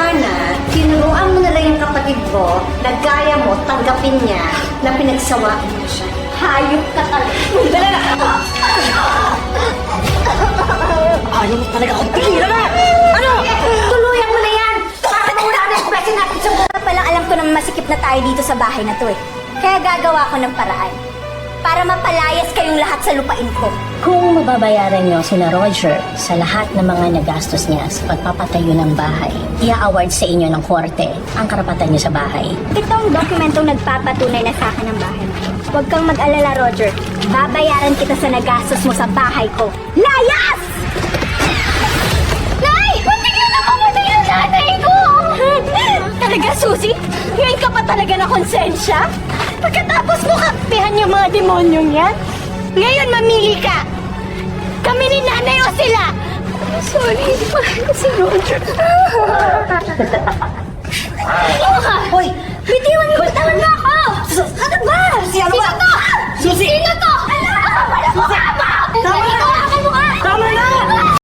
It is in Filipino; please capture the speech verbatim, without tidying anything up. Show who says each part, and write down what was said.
Speaker 1: Sana, tinuruan mo na lang yung kapatid mo na gaya mo, tanggapin niya na pinagsawaan mo siya. Hayop ka talaga. Dala na!
Speaker 2: Ayaw mo talaga akong pigilan na!
Speaker 1: Ano? Tuluyan mo na yan! Para mawala na yung presyo natin sa buhay.
Speaker 3: Palang alam ko na masikip na tayo dito sa bahay na to eh. Kaya gagawa ko ng paraan. Para mapalayas kayong lahat sa lupain ko.
Speaker 4: Kung mababayaran niyo sina Roger sa lahat ng mga nagastos niya sa pagpapatayo ng bahay, i-award sa inyo ng korte ang karapatan niyo sa bahay.
Speaker 3: Itong dokumentong nagpapatunay na sa akin ng bahay mo. Huwag kang mag-alala, Roger. Babayaran kita sa nagastos mo sa bahay ko. Layas! Nay! Muntik na nakamatay ang nanay ko! Talaga, Susie? Ngayon ka pa talaga na konsensya? Pagkatapos mo kampihan yung mga demonyong yan? Ngayon mamili ka! Kami ni nanay o sila! Sorry, hindi pa ko si Roger. Ano ka?
Speaker 2: Hoy!
Speaker 3: Bitiwan mo, bitawan mo ako!
Speaker 2: Ano ba? Si ano ba?
Speaker 3: Sino to?
Speaker 2: Susi!
Speaker 3: Sino